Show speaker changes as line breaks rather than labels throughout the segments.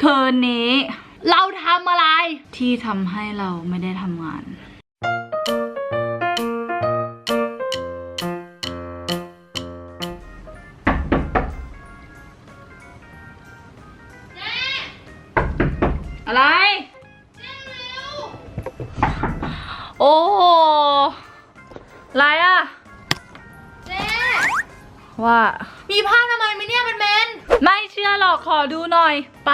คืนนี้เราทำอะไรที่ทำให้เราไม่ได้ทำงานอะไรโอ้โหอะไรอะเจ๊ว่ามีผ้าทำไมไหมเนี่ยเป็นเมนไม่เชื่อหรอกขอดูหน่อยไป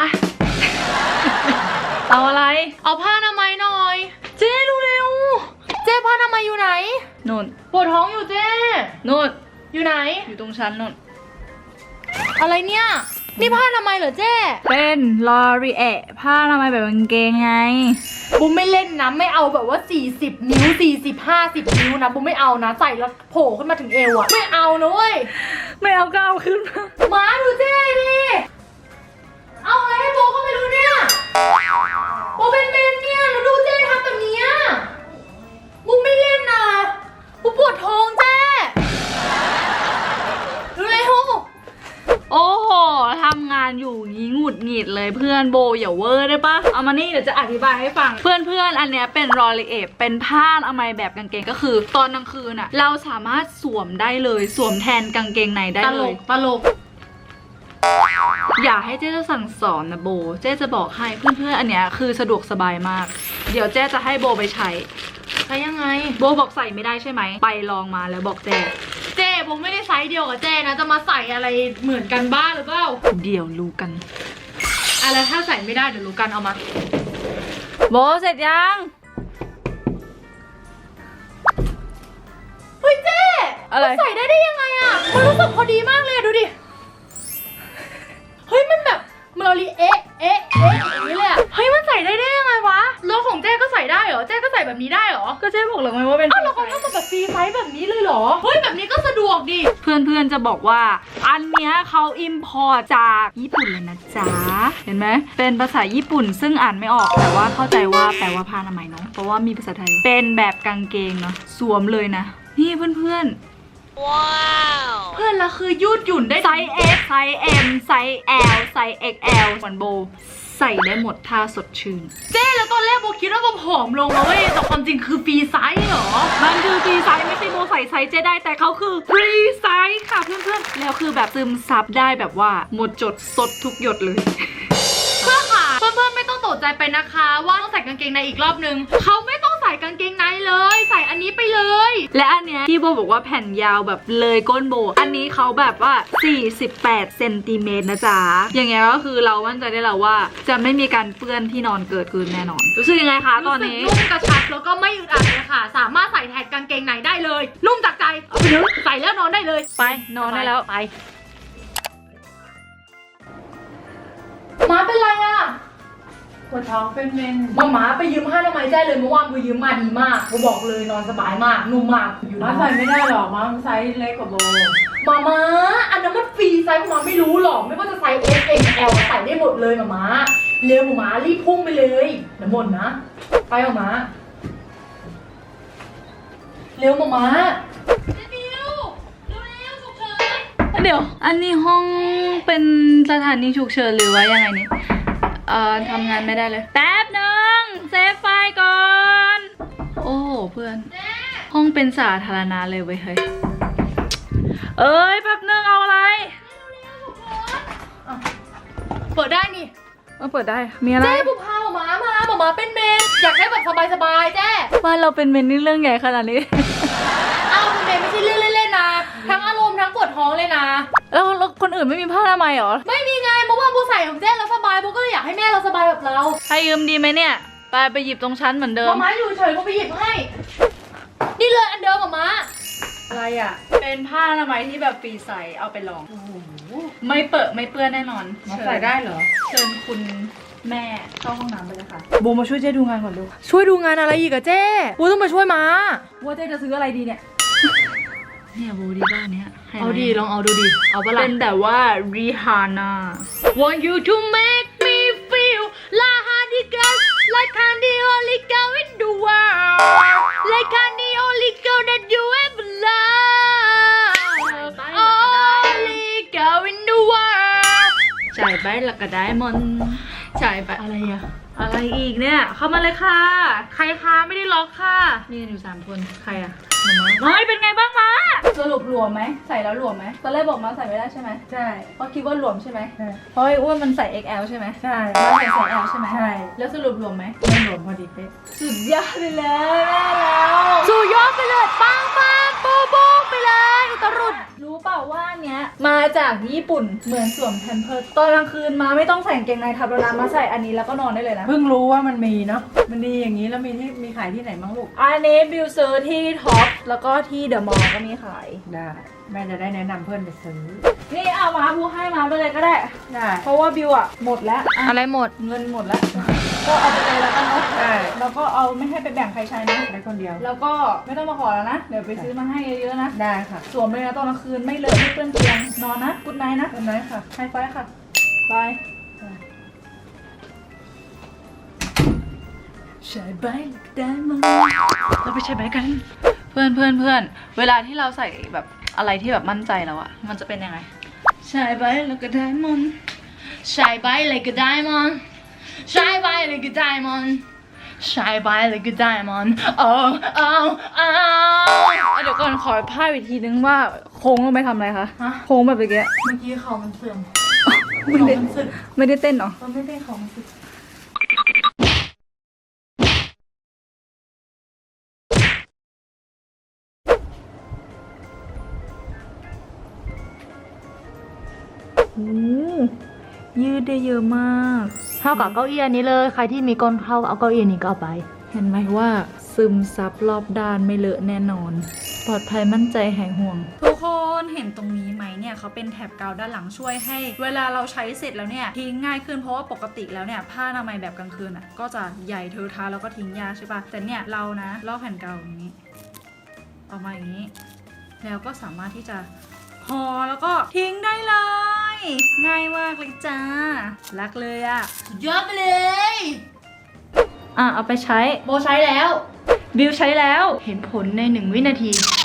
เอาอะไรเอาผ้าทำไมหน่อยเจ๊เร็วเจ๊ผ้าทำไมอยู่ไหนนู่นปวดท้องอยู่เจ๊นู่นอยู่ไหนอยู่ตรงชั้นนู่นอะไรเนี่ยนี่ผ้าทำไมเหรอเจ๊เป็นลอรีเอะผ้าทำไมแบบกางเกงไงบุ้มไม่เล่นนะไม่เอาแบบว่า40นิ้ว40 50นิ้วนะบุ้มไม่เอานะใส่แล้วโผล่ขึ้นมาถึงเอวอะไม่เอานะเว้ยไม่เอาก็เอาขึ้นมาดูเจ๊ดิเอาอะไรให้โบก็ไม่รู้เนี่ยโบเป็นเมนเนี่ยแล้วดูเจ๊ทำแบบนี้บุ้มไม่เล่นนะบุ้มปวดท้องเจ๊เร็วโอ้โหทำงานอยู่งี้หงุดหงิดเลยเพื่อนโบอย่าเวอร์ได้ปะเอามานี่เดี๋ยวจะอธิบายให้ฟังเพื่อนอันเนี้ยเป็นรอรีเอทเป็นผ้าอนามัยแบบกางเกงก็คือตอนกลางคืนอะเราสามารถสวมได้เลยสวมแทนกางเกงในได้เลยตลกอย่าให้เจ๊จะสั่งสอนนะโบเจ๊จะบอกให้เพื่อนอันเนี้ยคือสะดวกสบายมากเดี๋ยวเจ๊จะให้โบไปใช้ยังไงโบบอกใส่ไม่ได้ใช่ไหมไปลองมาแล้วบอกเจ๊โบไม่ได้ไซส์เดียวกับเจ๊นะจะมาใส่อะไรเหมือนกันบ้างหรือเปล่าเดี๋ยวรู้กันอะไรถ้าใส่ไม่ได้เดี๋ยวรู้กันเอามาโบเสร็จยังเฮ้ยเจ๊อะไรใส่ได้ยังไงอะมันรู้สึกพอดีมากเลยดูดิเฮ้ยมันแบบมันเราลีเอ๊ะอย่างนี้เลยอะเฮ้ยมันใส่ได้ยังไงวะแล้วของเจ๊ก็ใส่ได้เหรอเจ๊ก็ใส่แบบนี้ได้เหรอก็เจ๊บอกเลยว่าเป็นอ้าวเราเขาทำมาแบบฟรีไซส์แบบนี้เลยเหรอเฮ้ยแบบนี้ก็สะดวกดิเพื่อนจะบอกว่าอันเนี้ยเขาอิมพอร์ตจากญี่ปุ่นเลยนะจ๊ะเห็นไหมเป็นภาษาญี่ปุ่นซึ่งอ่านไม่ออกแต่ว่าเข้าใจว่าแปลว่าผ้าอนามัยเนาะเพราะว่ามีภาษาไทยเป็นแบบกางเกงเนาะสวมเลยนะนี่เพื่อนว้าวเพื่อนละคือยืดหยุ่นได้ไซส์ S ไซส์ M ไซส์ L ไซส์ XL เหมือนโบใส่ได้หมดถ้าสดชื่นเจ๊แล้วตอนแรกโบคิดว่าโบผอมลงแล้วเว้ยแต่ความจริงคือฟรีไซส์เหรอมันคือฟรีไซส์ไม่ใช่โบใส่ไซส์เจ๊ได้แต่เขาคือฟรีไซส์ค่ะเพื่อนๆแล้วคือแบบซึมซับได้แบบว่าหมดจดสดทุกหยดเลยเพื่อนค่ะเพื่อนๆไม่ต้องตกใจไปนะคะว่าต้องใส่กางเกงในอีกรอบนึงเขาไม่ต้องใส่กางเกงในเลยใส่อันนี้ไปเลยและอันเนี้ยที่โบบอกว่าแผ่นยาวแบบเลยก้นโบอันนี้เขาแบบว่า48 เซนติเมตรนะจ๊ะอย่างเงี้ยก็คือเรามั่นใจได้แล้วว่าจะไม่มีการเปื้อนที่นอนเกิดขึ้นแน่นอนรู้สึกยังไงคะตอนนี้นุ่มกระชับแล้วก็ไม่อึดอัดเลยค่ะสามารถใส่แทนกางเกงในได้เลยนุ่มจากใจเอาไปเลยใส่แล้วนอนได้เลยไปนอนได้แล้วไปม้าเป็นไรอะปวดท้องเป็นเมนม้าไปยืมผ้าทำไมยได้เลยเมื่อวานกูยืมมาดีมากกูบอกเลยนอนสบายมากนุ่มมากอยู่ม้า
ใส่ไม่ได้หรอกม้าไซส์เล็กกว่าโบ
ม้าอันนั้นมันฟรีไซส์ม้าไม่รู้หรอกไม่ว่าจะไซส์ S M L ใส่ได้หมดเลยม้าเร็วม้ารีบพุ่งไปเลยน้ำหมดนะไปม้าเร็วม้าเดี๋ยวอันนี้ห้องเป็นสถานีฉุกเฉินหรือว่ายังไงนี่ทำงานไม่ได้เลยแป๊บนึงเซฟไฟก่อนโอ้โหเพื่อนห้องเป็นสาธารณะเลยเว้ยเฮ้ยเอ้ยแป๊บนึงเอาอะไรเปิดได้นี่เปิดได้มีอะไรเจ๊บุพาหมาเป็นเมนอยากได้แบบสบายๆเจ๊ว่าเราเป็นเมนนี่เรื่องใหญ่ขนาดนี้เอาเป็นเมนไม่ใช่เรื่องเล่นๆนะทั้งอารมณ์ทั้งปวดท้องเลยนะแล้วคนอื่นไม่มีผ้าทำไมหรอไม่มีไงเพราะว่าโบใส่ของเจ๊แล้วสบายโบก็เลยอยากให้แม่เราสบายแบบเราให้ยืมดีไหมเนี่ยไปหยิบตรงชั้นเหมือนเดิมม้าอยู่เฉยโบไปหยิบให้นี่เลยอันเดิมม้าอะไรอ่ะเป็นผ้าอนามัยที่แบบฟรีใส่เอาไปลองไม่เปื้อนแน่นอน
ใส่ได้เหรอ
เชิญคุณแม่เข้าห้องน้ำไปเลยค่ะโบมาช่วยเจ๊ดูงานก่อนดูช่วยดูงานอะไรอีกอะเจ๊โบต้องมาช่วยม้าว่าเจ๊จะซื้ออะไรดีเนี่ยเนี่ยโบดีบ้านเนี้ยเอาดีลองเอาดูดิเอาปะล่ะเป็นแบบว่า Rihanna Want you to make me feel like like I'm the only girl in the world like I'm the only girl that you ever love only girl in the world จ่ายไปแล้วก็ได้มนใช่ไปอะไรอะอะไรอีกเนี่ยเข้ามาเลยค่ะใครคะไม่ได้ล็อกค่ะมีกันอยู่3 คนใครอะมาเป็นไงบ้างมาสรุปหลวมไหมใส่แล้วหลวมไหมตอนแรกบอกมาใส่ไม่ได้ใช่ไหม
ใช่
เพราะคิดว่าหลวมใช่ไหม
ใช่
เพราะไอ้อ้วนมันใส่ XL ใช่ไหม
ใช่
แล้วใส่ L ใช่ไหม
ใช่
แล้วสรุปหลวมไหม
ไม่หลวมพอดีเป๊ะ
สุดยอดไปเลยแม่แล้วสุดยอดไปเลยปังปังโป๊ะโป๊ะไปเลยอุตรุดรู้เปล่าว่าเนี้ยมาจากญี่ปุ่นเหมือนสวมแพมเพิร์สตอนกลางคืนมาไม่ต้องใส่กางเกงในทับแล้วนะมาใส่อันนี้แล้วก็นอนได้เลยนะ
เพิ่งรู้ว่ามันมีเนาะมันดีอย่างนี้แล้วมีขายที่ไหนบ้างลูก
อันนี้บิวซื้อที่ท็อปแล้วก็ที่เดอะมอลล์ก็มีขาย
ได้แม่จะได้แนะนำเพื่อนไปซื้อ
นี่เอามาพูให้มาไปเลยก็ได้
ได้
เพราะว่าบิวอะหมดแล้ว
อะไรหมด
เงินหมดแล้ว ก็เอาไปเลยแล้วกันเนาะ
ได้
แล้วก็เอาไม่ให้ไปแบ่งใครใช้นะ
ได้คนเดียว
แล้วก็ไม่ต้องมาขอแล้วนะ เดี๋ยวไปซื้อมาให้เยอะๆนะ
ได้ค่ะ
สวมเลยนะตอนกลางคืนไม่เลอะไม่เปื้อนเตียงนอนนะกุดไนท์นะ
คนไหนค่ะ
ไฮไฟว์ค่ะบายใช้ใบได้มั้ยเราไปใช้ใบกัน เพื่อนเวลาที่เราใส่แบบอะไรที่แบบมั่นใจแล้วอะมันจะเป็นยังไงใช้ใบแล้วก็ได้มันใช้ใบเลยก็ได้มันใช้ใบเลยก็ได้มันใช้ใบเลยก็ได้มันเดี๋ยวก่อนขอพาดอีกทีนึงว่าโค้งลงไปทำอะไรคะโค้งแบบเมื่อกี้
เมื่อกี้เขามันเสื่อม
ไม่ได้ไม่ได้เต้นเหรอ
มันไม่ได้ของสึก
ยืดได้เยอะมากเท่ากับเก้าอี้อันนี้เลยใครที่มีก้นเข้าเอาเก้าอี้นี้ก็เอาไป เห็นไหมว่าซึมซับรอบด้านไม่เลอะแน่นอน ปลอดภัยมั่นใจหายห่วง ทุกคนเห็นตรงนี้ไหมเนี่ยเขาเป็นแถบกาวด้านหลังช่วยให้ เวลาเราใช้เสร็จแล้วเนี่ยทิ้งง่ายขึ้นเพราะว่าปกติแล้วเนี่ยผ้าอนามัยแบบกลางคืนอ่ะก็จะใหญ่เทอะทะแล้วก็ทิ้งยากใช่ปะแต่เนี่ยเรานะลอกแผ่นกาวอย่างนี้ออกมาอย่างนี้ แล้วก็สามารถที่จะห่อแล้วก็ทิ้งได้เลย ง่ายมากเลยจ้ารักเลยอะสุดยอดไปเลยเอาไปใช้โบใช้แล้วบิวใช้แล้วเห็นผลใน1 วินาที